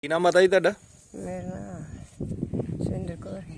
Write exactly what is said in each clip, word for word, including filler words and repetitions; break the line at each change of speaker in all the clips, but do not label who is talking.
ਕੀ ਨਾਮ ਪਤਾ ਜੀ ਤੁਹਾਡਾ?
ਮੇਰਾ ਨਾਮ ਸੁਰਿੰਦਰ ਕੌਰ ਹੈ।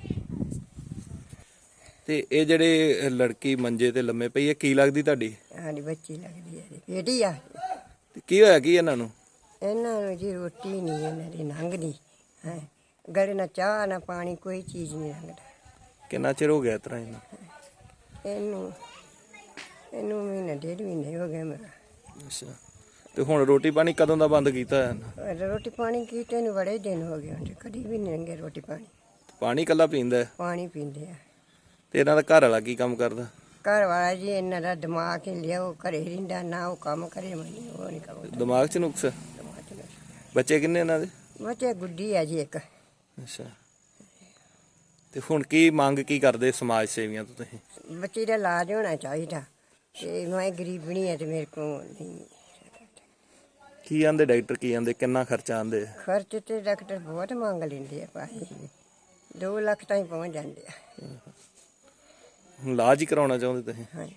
ਤੇ ਇਹ ਜਿਹੜੇ ਲੜਕੀ ਮੰਜੇ ਤੇ ਲੰਮੇ ਪਈ ਹੈ, ਕੀ ਲੱਗਦੀ ਤੁਹਾਡੀ?
ਸਾਡੀ ਬੱਚੀ ਲੱਗਦੀ ਹੈ ਜੀ, ਬੇਟੀ ਆ।
ਤੇ ਕੀ ਹੋਇਆ ਕੀ ਇਹਨਾਂ ਨੂੰ?
ਇਹਨਾਂ ਨੂੰ ਜੀ ਰੋਟੀ ਨਹੀਂ ਇਹਨਾਂ ਦੀ ਲੰਘਦੀ ਹੈ। ਗਲੇ ਨਾ ਚਾਹ ਨਾ ਪਾਣੀ, ਕੋਈ ਚੀਜ਼ ਨਹੀਂ ਲੰਘਦਾ।
ਕਿੰਨਾ ਚਿਰ ਹੋ ਗਿਆ ਇਸ ਤਰ੍ਹਾਂ ਇਹਨੂੰ?
ਇਹਨੂੰ ਇਹਨੂੰ ਮਹੀਨਾ ਡੇਢ ਮਹੀਨੇ ਹੋ ਗਏ ਮੇਰਾ।
ਅੱਛਾ, ਤੇ ਹੁਣ ਰੋਟੀ ਪਾਣੀ ਕਦੋਂ ਦਾ ਬੰਦ ਕੀਤਾ ਹੈ ਇਹਨਾਂ?
ਰੋਟੀ ਪਾਣੀ ਕੀਤੇ ਨੂੰ ਬੜੇ ਦਿਨ ਹੋ ਗਏ ਹੁਣ, ਕਦੀ ਵੀ ਨਹੀਂ ਲੰਘੇ ਰੋਟੀ ਪਾਣੀ।
ਪਾਣੀ ਇਕੱਲਾ ਪੀਂਦਾ ਹੈ?
ਪਾਣੀ ਪੀਂਦੇ ਆ।
ਤੇ ਇਹਨਾਂ ਦਾ ਘਰ ਵਾਲਾ ਕੀ ਕੰਮ ਕਰਦਾ?
ਘਰ ਵਾਲਾ ਜੀ ਇਹਨਾਂ ਦਾ ਦਿਮਾਗ ਹੀ ਲਿਆ, ਉਹ ਘਰੇ ਰਹਿੰਦਾ ਨਾ, ਉਹ ਕੰਮ ਕਰੇ ਮੈਨੂੰ ਉਹ ਨਹੀਂ ਕੰਮ।
ਦਿਮਾਗ 'ਚ ਨੁਕਸ?
ਦਿਮਾਗ 'ਚ ਨੁਕਸ।
ਬੱਚੇ ਕਿੰਨੇ ਇਹਨਾਂ ਦੇ?
ਬੱਚੇ ਗੁੱਡੀ ਆ ਜੀ ਇੱਕ।
ਅੱਛਾ, ਤੇ ਹੁਣ ਕੀ ਮੰਗ ਕੀ ਕਰਦੇ ਸਮਾਜ ਸੇਵੀਆਂ ਤੋਂ ਤੁਸੀਂ?
ਬੱਚੇ ਦਾ ਇਲਾਜ ਹੋਣਾ ਚਾਹੀਦਾ, ਤੇ ਮੈਂ ਗਰੀਬਣੀ ਹੈ ਤੇ ਮੇਰੇ ਕੋਲ ਨਹੀਂ।
ਕੀ ਆਂਦੇ ਡਾਕਟਰ, ਕੀ ਆਂਦੇ ਕਿੰਨਾ ਖਰਚਾ ਆਂਦੇ?
ਖਰਚ ਤੇ ਡਾਕਟਰ ਬਹੁਤ ਮੰਗ ਲੈਂਦੇ ਆ ਭਾਈ, ਦੋ ਲੱਖ ਤਾਈਂ ਪਹੁੰਚ ਜਾਂਦੇ ਆ।
ਹੁਣ ਇਲਾਜ ਹੀ ਕਰਾਉਣਾ ਚਾਹੁੰਦੇ ਤੁਸੀਂ?
ਹਾਂਜੀ।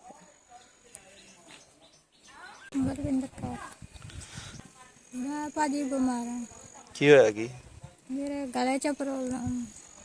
ਬਲਵਿੰਦਰ ਕੌਰ। ਮੈਂ ਭਾਜੀ ਬਿਮਾਰ ਹਾਂ।
ਕੀ ਹੋਇਆ ਕੀ?
ਮੇਰੇ ਗਲੇ 'ਚ ਪ੍ਰੋਬਲਮ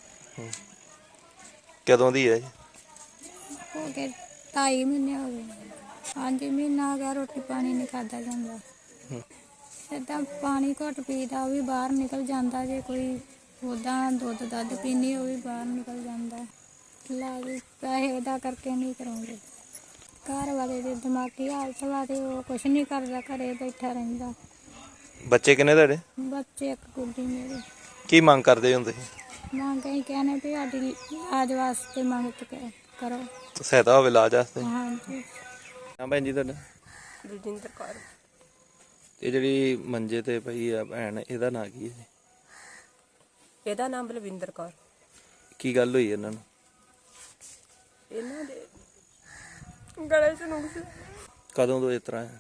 ਕਦੋਂ ਦੀ ਹੈ ਜੀ?
ਹੋ ਗਏ ਢਾਈ ਮਹੀਨੇ ਹੋ ਗਏ। ਹਾਂਜੀ, ਮਹੀਨਾ ਹੋ ਗਿਆ ਰੋਟੀ ਪਾਣੀ ਨਹੀਂ ਖਾਧਾ ਜਾਂਦਾ। ਏਦਾਂ ਪਾਣੀ ਘੁੱਟ ਪੀਦਾ, ਉਹ ਵੀ ਬਾਹਰ ਨਿਕਲ ਜਾਂਦਾ। ਜੇ ਕੋਈ ਉੱਦਾਂ ਦੁੱਧ ਦੱਧ ਪੀਣੀ, ਉਹ ਵੀ ਬਾਹਰ ਨਿਕਲ ਜਾਂਦਾ। ਇਲਾਜ ਪੈਸੇ ਦਾ ਕਰਕੇ ਨਹੀਂ ਕਰਾਉਂਦੇ। ਘਰ ਵਾਲੇ ਦੇ ਦਿਮਾਗੀ ਹਾਲਤ ਵਾ ਤੇ ਉਹ ਕੁਛ ਨਹੀਂ ਕਰਦਾ, ਘਰੇ ਬੈਠਾ ਰਹਿੰਦਾ।
ਬੱਚੇ ਕਿੰਨੇ ਤੁਹਾਡੇ?
ਬੱਚੇ ਇੱਕ ਗੁੱਡੀ ਮੇਰੇ।
ਕੀ ਮੰਗ ਕਰਦੇ ਹੋ ਤੁਸੀਂ?
ਮੰਗ ਅਸੀਂ ਕਹਿੰਦੇ ਵੀ ਸਾਡੀ ਇਲਾਜ ਵਾਸਤੇ ਮੰਗ ਕਰੋ।
ਸਹਾਇਤਾ ਹੋਵੇ ਇਲਾਜ ਵਾਸਤੇ।
ਹਾਂਜੀ।
ਹਾਂ ਭੈਣ ਜੀ ਤੁਹਾਡਾ?
ਬਲਜਿੰਦਰ ਕੌਰ।
ਇਹ ਜਿਹੜੀ ਮੰਜੇ ਤੇ ਪਈ ਆ ਭੈਣ, ਇਹਦਾ ਨਾਂ ਕੀ ਹੈ?
ਇਹਦਾ ਨਾਮ ਬਲਵਿੰਦਰ ਕੌਰ।
ਕੀ ਗੱਲ ਹੋਈ ਇਹਨਾਂ ਨੂੰ?
ਇਹਨਾਂ ਦੇ ਗਲੇ 'ਚ ਨੁਕਸ
ਕਦੋਂ ਤੋਂ ਇਸ ਤਰ੍ਹਾਂ ਹੈ?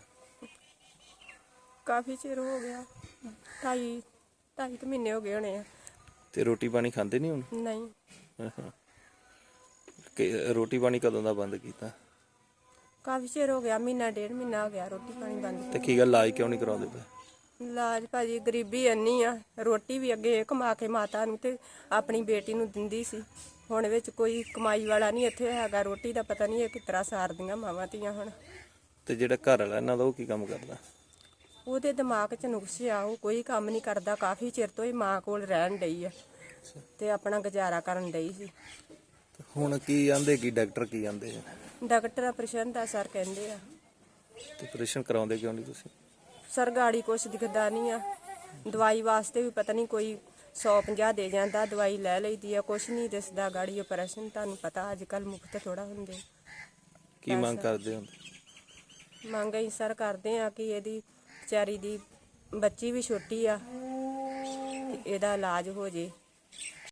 ਕਾਫੀ ਚਿਰ ਹੋ ਗਿਆ, ਢਾਈ ਢਾਈ ਕੁ ਮਹੀਨੇ ਹੋ ਗਏ ਹੋਣੇ ਆ।
ਤੇ ਰੋਟੀ ਪਾਣੀ ਖਾਂਦੇ ਨਹੀਂ ਹੁਣ?
ਨਹੀਂ,
ਕਿ ਰੋਟੀ ਪਾਣੀ ਕਦੋਂ ਦਾ ਬੰਦ ਕੀਤਾ?
ਕਾਫੀ ਚਿਰ ਹੋ ਗਿਆ, ਮਹੀਨਾ ਡੇਢ ਮਹੀਨਾ ਹੋ ਗਿਆ ਰੋਟੀ ਪਾਣੀ ਬੰਦ।
ਤੇ ਕੀ ਗੱਲ ਇਲਾਜ ਕਿਉਂ ਨਹੀਂ ਕਰਾਉਂਦੇ ਪਏ?
ਇਲਾਜ ਭਾਜੀ ਗਰੀਬੀ ਇੰਨੀ ਆ, ਰੋਟੀ ਵੀ ਅੱਗੇ ਇਹ ਕਮਾ ਕੇ ਮਾਤਾ ਨੂੰ ਤੇ ਆਪਣੀ ਬੇਟੀ ਨੂੰ ਦਿੰਦੀ ਸੀ। ਹੁਣ ਵਿੱਚ ਕੋਈ ਕਮਾਈ ਵਾਲਾ ਨਹੀਂ ਇੱਥੇ ਹੈਗਾ, ਰੋਟੀ ਦਾ ਪਤਾ ਨਹੀਂ ਇਹ ਕਿਸ ਤਰ੍ਹਾਂ ਸਾਰਦੀਆਂ ਮਾਵਾਂ ਧੀਆਂ ਹੁਣ।
ਤੇ ਜਿਹੜਾ ਘਰ ਵਾਲਾ ਇਹਨਾਂ ਦਾ, ਉਹ ਕੀ ਕੰਮ ਕਰਦਾ?
ਉਹਦੇ ਦਿਮਾਗ 'ਚ ਨੁਕਸ ਆ, ਉਹ ਕੋਈ ਕੰਮ ਨਹੀਂ ਕਰਦਾ। ਕਾਫੀ ਚਿਰ ਤੋਂ ਹੀ ਮਾਂ ਕੋਲ ਰਹਿਣ ਡਈ ਆ ਤੇ ਆਪਣਾ ਗੁਜ਼ਾਰਾ ਕਰਨ ਡਈ ਸੀ।
ਹੁਣ ਕੀ ਆਂਦੇ, ਕੀ ਡਾਕਟਰ ਕੀ ਆਂਦੇ?
ਡਾਕਟਰ ਆਪਰੇਸ਼ਨ ਦਾ ਸਰ ਕਹਿੰਦੇ ਆ।
ਤੇ ਆਪਰੇਸ਼ਨ ਕਰਾਉਂਦੇ ਕਿਉਂ ਨਹੀਂ ਤੁਸੀਂ?
ਸਰ ਗਾੜੀ ਕੁਛ ਦਿਖਦਾ ਨਹੀਂ ਆ। ਦਵਾਈ ਵਾਸਤੇ ਵੀ ਪਤਾ ਨਹੀਂ ਕੋਈ ਸੌ ਪੰਜਾਹ ਦੇ ਜਾਂਦਾ, ਦਵਾਈ ਲੈ ਲਈਦੀ ਆ, ਕੁਛ ਨਹੀਂ ਦਿਸਦਾ ਗਾੜੀ। ਆਪਰੇਸ਼ਨ ਤੁਹਾਨੂੰ ਪਤਾ ਅੱਜ ਕੱਲ੍ਹ ਮੁਫਤ ਥੋੜਾ ਹੁੰਦੇ।
ਕੀ ਮੰਗ ਕਰਦੇ ਹੋ?
ਮੰਗ ਅਸੀਂ ਸਰ ਕਰਦੇ ਆ ਕਿ ਇਹਦੀ ਵਿਚਾਰੀ ਦੀ ਬੱਚੀ ਵੀ ਛੋਟੀ ਆ, ਇਹਦਾ ਇਲਾਜ ਹੋ ਜੇ।